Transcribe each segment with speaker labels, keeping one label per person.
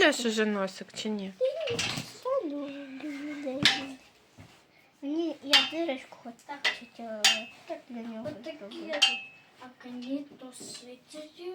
Speaker 1: Розчісуєш уже носик чи ні?
Speaker 2: Мені я дырочку хоч так чуть для нього зробила.
Speaker 3: А коні то світять.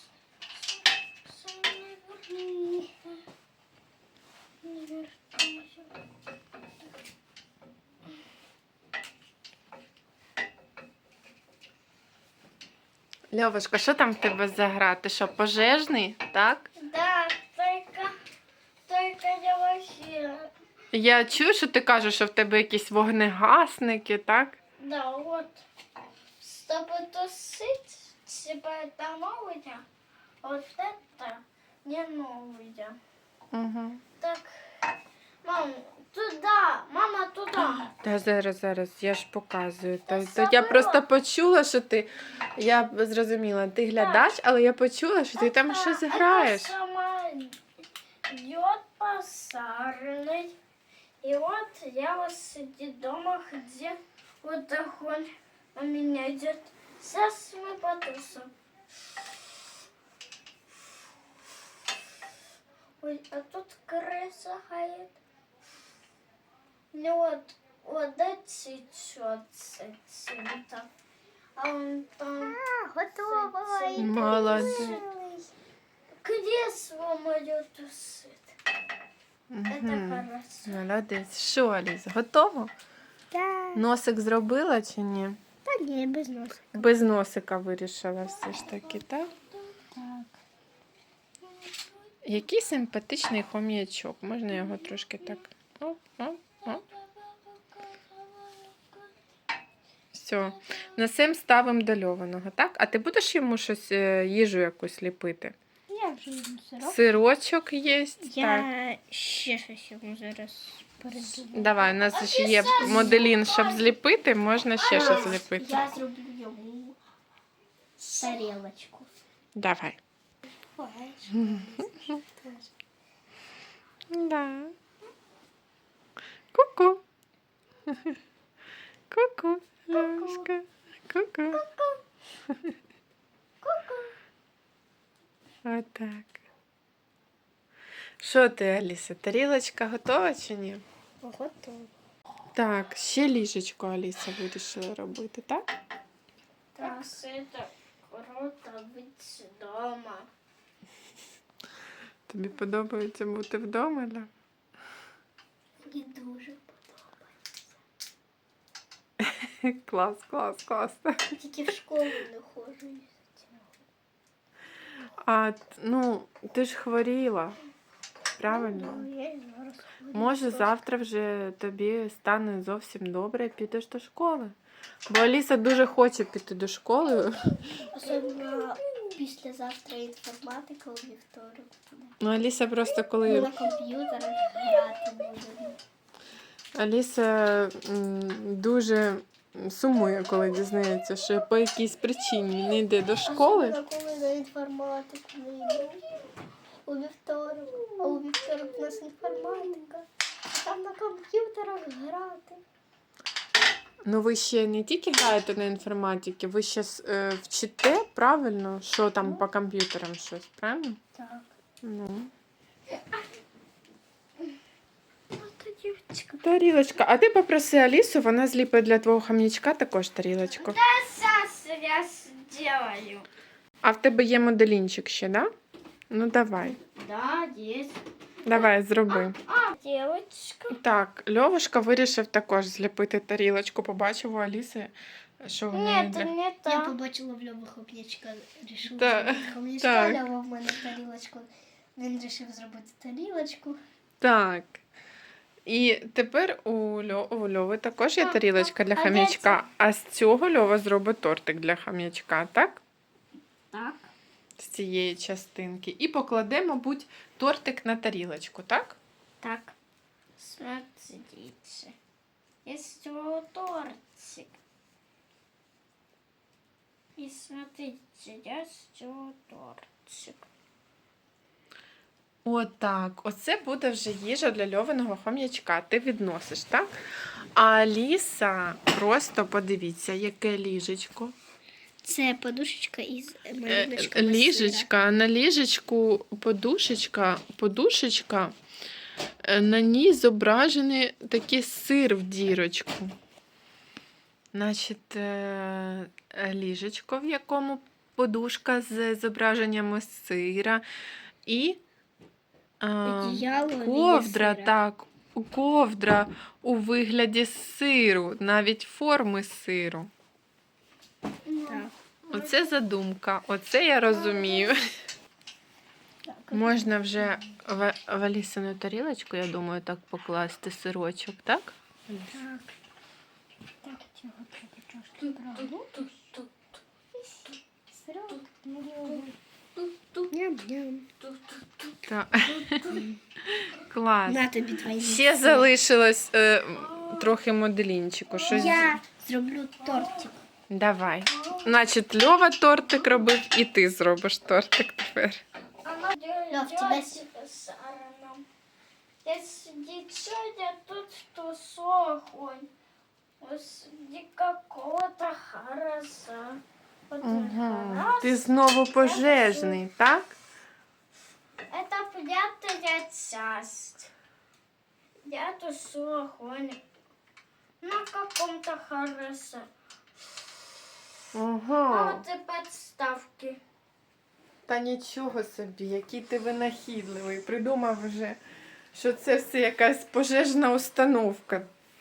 Speaker 1: Льовушка, що там в тебе за гра? Ти що, пожежний, так?
Speaker 3: Да, только я вообще.
Speaker 1: Я чую, що ти кажеш, що в тебе якісь вогнегасники, так?
Speaker 3: Да, вот. Чтобы тусить, типа это новое, вот это не новое.
Speaker 1: Угу.
Speaker 3: Так, мам, туда, мама, туда.
Speaker 1: Та зараз, я ж показую.
Speaker 3: Та
Speaker 1: Я
Speaker 3: забила.
Speaker 1: просто почула, що ти. Я зрозуміла, ти глядач, але я почула, що ти там щось граєш.
Speaker 3: Это сама идет посарный. И вот я вот сидит дома, где вот огонь у меня идет. Сейчас мы потусим. Ой, а тут крыса ходит. Ну вот эти цвета. А он там...
Speaker 2: Готово.
Speaker 1: Молодець.
Speaker 3: Кресло мое тусит. Это
Speaker 1: Угу.
Speaker 3: хорошо.
Speaker 1: Молодець. Що, Аліс, готово?
Speaker 2: Так.
Speaker 1: Носик зробила чи ні?
Speaker 2: Та ні, без носа.
Speaker 1: Без носика вирішила все ж таки, так?
Speaker 2: Так.
Speaker 1: Який симпатичний хом'ячок. Можна його трошки так. Оп, оп, оп. Все. Несем ставимо до льованого, так? А ти будеш йому щось, їжу якусь ліпити?
Speaker 2: Я вже їм сироп.
Speaker 1: Сирочок є. Так.
Speaker 2: Я ще щось йому зараз передумаю.
Speaker 1: Давай, у нас ще є моделін, щоб зліпити, можна ще щось зліпити.
Speaker 2: Я зроблю йому тарілочку.
Speaker 1: Давай. Да. Ку-ку. Ку-ку. Льошка. Ку-ку. Отак. Що ти, Аліса, тарілочка готова чи ні?
Speaker 2: Готово.
Speaker 1: Так, ще ліжечко Аліса вирішила робити, так?
Speaker 3: Так, это круто быть дома.
Speaker 1: Тобі подобається бути вдома, да?
Speaker 2: Мені дуже
Speaker 1: Клас, клас, клас.
Speaker 2: тільки в школу не ходжу.
Speaker 1: А, ну, ти ж хворіла, правильно?
Speaker 2: Я і зараз ходжу.
Speaker 1: Може, завтра вже тобі стане зовсім добре і підеш до школи. Бо Аліса дуже хоче піти до школи.
Speaker 2: Особливо післязавтра інформатика у вівторок.
Speaker 1: Ну, Аліса просто
Speaker 2: Ми
Speaker 1: коли...
Speaker 2: на комп'ютерах грати будемо.
Speaker 1: Аліса дуже сумує, коли дізнається, що по якійсь причині не йде до школи.
Speaker 2: Особливо, коли на інформатику не йду. У вівторок. А у вівторок у нас інформатика. А там на комп'ютерах грати.
Speaker 1: Ну, ви ще не тільки граєте на інформатиці, ви ще вчите, правильно, що там по комп'ютерам щось, правильно?
Speaker 2: Так.
Speaker 1: Ну.
Speaker 2: Ото дівчинка.
Speaker 1: Тарілочка. А ти попроси Алісу, вона зліпить для твого хам'ячка також тарілочку.
Speaker 3: Сейчас я сделаю.
Speaker 1: А в тебе є моделінчик ще, да? Ну, давай.
Speaker 3: Да, есть.
Speaker 1: Давай, зроби.
Speaker 3: Девочка.
Speaker 1: Так, Льовушка вирішив також зліпити тарілочку. Побачив у Аліси, що в неї
Speaker 3: Нет,
Speaker 1: для...
Speaker 3: не
Speaker 2: Я
Speaker 3: так.
Speaker 2: побачила в Льову хом'ячка, рішив
Speaker 1: Так,
Speaker 2: зробити хом'ячка,
Speaker 1: так.
Speaker 2: Льова в мене тарілочку. Він рішив зробити тарілочку.
Speaker 1: Так. І тепер у Льови також є тарілочка для хам'ячка, а з цього Льова зробить тортик для хам'ячка, так?
Speaker 3: Так.
Speaker 1: З цієї частинки. І покладе, мабуть, тортик на тарілочку, так?
Speaker 3: Так. Смотрите. Есть вот тортик. И смотрите, я сделаю тортик.
Speaker 1: Отак. Оце буде вже їжа для Льовиного хом'ячка. Ти відносиш, так? А Аліса, просто подивіться, яке ліжечко.
Speaker 2: Це подушечка із малюночками
Speaker 1: Ліжечка, а на ліжечку подушечка, на ній зображений такий сир в дірочку. Значить, ліжечко, в якому подушка з зображеннями сира і
Speaker 2: Одіяло в
Speaker 1: ковдра,
Speaker 2: вигляді сира.
Speaker 1: так, ковдра у вигляді сиру, навіть форми сиру.
Speaker 2: Так.
Speaker 1: Оце задумка, оце я розумію.
Speaker 2: Так.
Speaker 1: Можна вже в Алісину тарілочку, я думаю, так покласти сирочок, так?
Speaker 2: Так. Так, цього треба трошки прогнути. Сирок. Ням-ням.
Speaker 1: Так. Клас.
Speaker 2: На тобі твої.
Speaker 1: Ще залишилось трохи моделінчику. Щось...
Speaker 2: Я зроблю тортик.
Speaker 1: Давай. Значить, Льова тортик робив, і ти зробиш тортик тепер.
Speaker 2: Лёв, тебя
Speaker 3: Если я тут то огонь. Среди какого-то хараза.
Speaker 1: Угу. Ти знову пожежний, так?
Speaker 3: Это пятая часть. Я тушу огонь на каком-то харасе. А
Speaker 1: Ага.
Speaker 3: вот и подставки.
Speaker 1: Та нічого собі, який ти винахідливий. Придумав вже, що це все якась пожежна установка.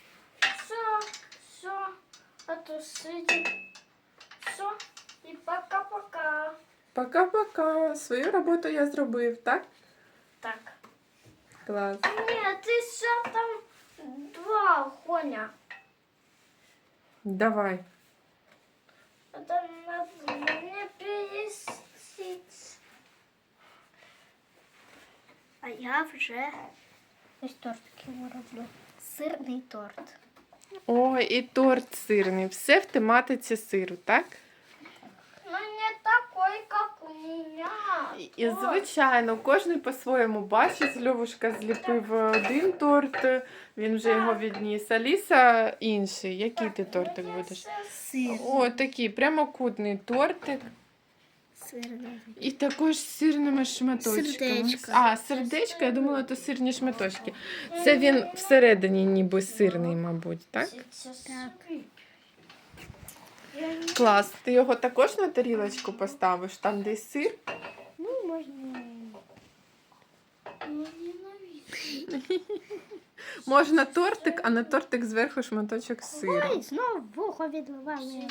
Speaker 3: Все, отусите. Все, и пока-пока.
Speaker 1: Пока-пока. Свою роботу я зробив, так?
Speaker 3: Так.
Speaker 1: Клас.
Speaker 3: Нет, еще там 2 огоня.
Speaker 1: Давай.
Speaker 3: Это надо мне пересить.
Speaker 2: А я вже ось тортик йому роблю. Сирний торт.
Speaker 1: Ой, і торт сирний. Все в тематиці сиру, так?
Speaker 3: Но не такой, как у меня.
Speaker 1: І, звичайно, кожен по-своєму бачить. Льовушка зліпив один торт, він вже його відніс. Аліса інший. Який ти тортик будеш?
Speaker 2: Сир.
Speaker 1: О, такий прямокутний тортик.
Speaker 2: Сирний.
Speaker 1: І також з сирними шматочками.
Speaker 2: Сердечко.
Speaker 1: А, сердечко, я думала, то сирні шматочки. Це він всередині ніби сирний, мабуть, так?
Speaker 2: Так.
Speaker 1: Клас. Ти його також на тарілочку поставиш, там де сир?
Speaker 2: Ну, можна.
Speaker 1: Можна тортик, а на тортик зверху шматочок сиру.
Speaker 2: Ой, знову вухо відливає.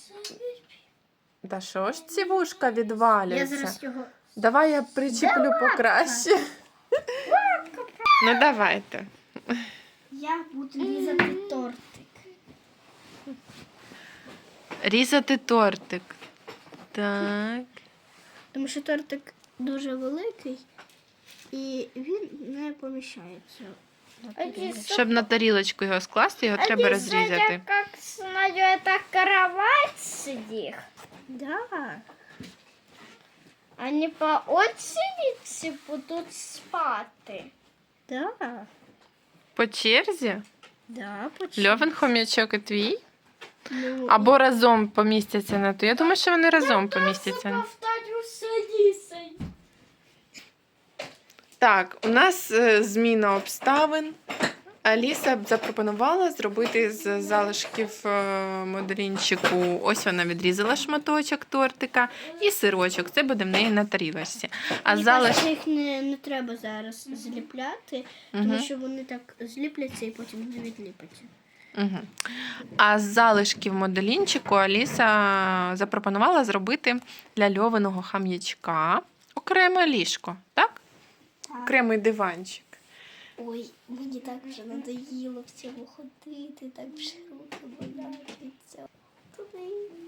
Speaker 1: Та що ж ці вушка
Speaker 2: Я
Speaker 1: відвалюються?
Speaker 2: зараз його...
Speaker 1: Давай я причеплю покраще. Ну давайте.
Speaker 2: Я буду різати тортик.
Speaker 1: Різати тортик. Так.
Speaker 2: Тому що тортик дуже великий і він не поміщається. на тарілку.
Speaker 1: Щоб на тарілочку його скласти, його треба розрізати.
Speaker 3: Как смотрю, это кровать сидит.
Speaker 2: Да.
Speaker 3: Они по очереди будут спати.
Speaker 2: Да.
Speaker 1: По черзі?
Speaker 2: Да,
Speaker 1: Льовин хомячок і твій?
Speaker 2: Ну,
Speaker 1: Або разом помістяться на ту. Я думаю, що вони разом помістяться.
Speaker 3: Повторю с Алисой.
Speaker 1: Так, у нас зміна обставин. Аліса б запропонувала зробити з залишків моделінчику. Ось вона відрізала шматочок тортика і сирочок. Це буде в неї на тарілочці. А
Speaker 2: мені
Speaker 1: залиш...
Speaker 2: кажеться, їх не треба зараз зліпляти, тому
Speaker 1: Мгм.
Speaker 2: що вони так зліпляться і потім не відліпаться.
Speaker 1: Угу. А з залишків моделінчику Аліса запропонувала зробити для Льовиного хам'ячка окреме ліжко, так? Окремий диванчик.
Speaker 2: Ой, мені так вже надоїло в цьому ходити, так вже руки болять. Туди.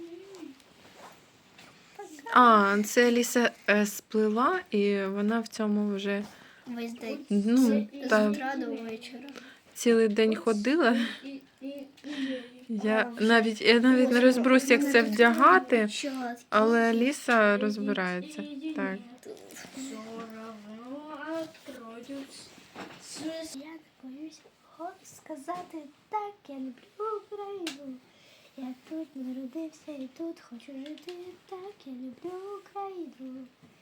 Speaker 1: А, це Аліса сплела, і вона в цьому вже
Speaker 2: Весь день.
Speaker 1: ну,
Speaker 2: З
Speaker 1: та,
Speaker 2: утра до вечора.
Speaker 1: цілий день ходила. Я навіть не розберусь, як це вдягати, але Аліса розбирається. Так.
Speaker 3: Все равно откроюсь.
Speaker 2: Я не боюсь сказати так, я люблю Україну. Я тут народився і тут хочу жити, так я люблю Україну.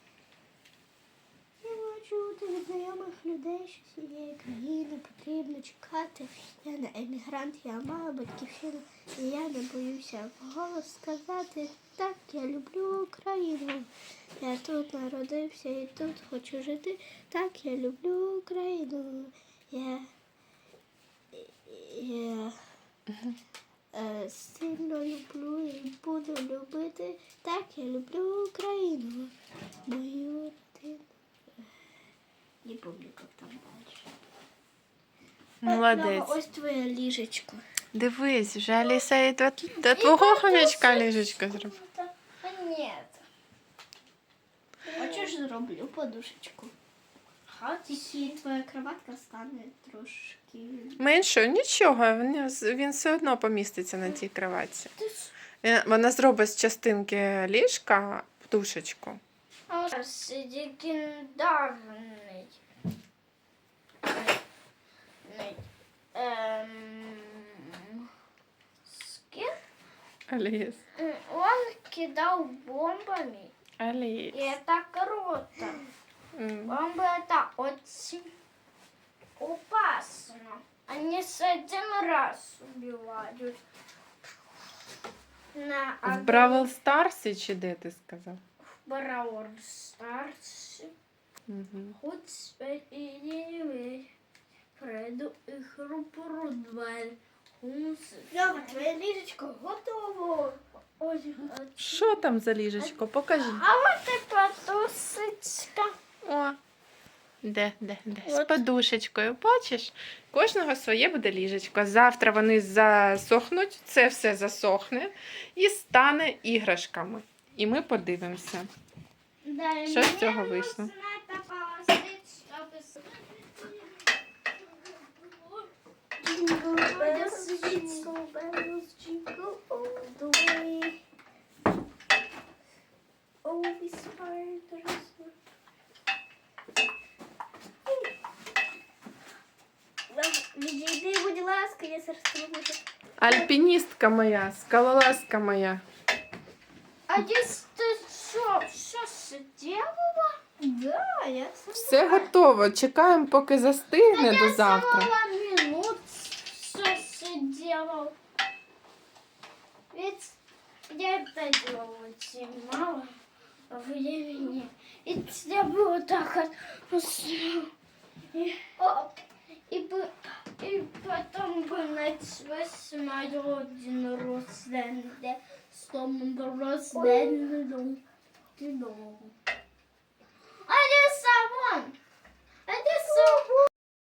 Speaker 2: Я бачу від знайомих людей, що цієї країни потрібно чекати. Я не емігрант, я мала батьківщину, і я не боюся вголос сказати, так я люблю Україну. Я тут народився і тут хочу жити, так я люблю Україну. Я сильно люблю і буду любити, так я люблю Україну, мою родину. Не помню, як там далі.
Speaker 1: Молодець.
Speaker 2: Ось твоє ліжечко.
Speaker 1: Дивись, вже Аліса і до твого хомячка ліжечко зробила.
Speaker 3: Нет.
Speaker 2: Хочеш, зроблю подушечку. Тільки твоя кроватка стане трошки.
Speaker 1: Менше, нічого, він все одно поміститься на тій кроватці. Вона зробить з частинки ліжка подушечку.
Speaker 3: А ось легендарний. Скин.
Speaker 1: Аліс.
Speaker 3: Он кидал бомбами.
Speaker 1: Аліс.
Speaker 3: И это круто. Бомбы это очень опасно. Они с один раз убивают.
Speaker 1: В Бравл Старсі чи де ти сказав?
Speaker 3: Бравл Старс.
Speaker 1: Угу.
Speaker 3: Хоть и пройду игру продваль.
Speaker 2: Льова, твоє ліжечко готово.
Speaker 1: Що там за ліжечко? Покажи.
Speaker 3: А вот и подушечка.
Speaker 1: О, де? З подушечкою. Бачиш? Кожного своє буде ліжечко. Завтра вони засохнуть, це все засохне і стане іграшками. І ми подивимося. Що з цього вийшло?
Speaker 2: Jingle bells, jingle all the way. Oh, we spiders. Відійди, будь ласка, я зараз роблю.
Speaker 1: Альпіністка моя, скалолазка моя.
Speaker 3: А здесь ты что сделала?
Speaker 2: Да, я
Speaker 1: Все готово. Чекаємо, поки застигне до завтра.
Speaker 3: Минут все делал. Ведь я это делала очень мало времени. И я было так и потом бы началось мое день рождения. С домом рождения. А я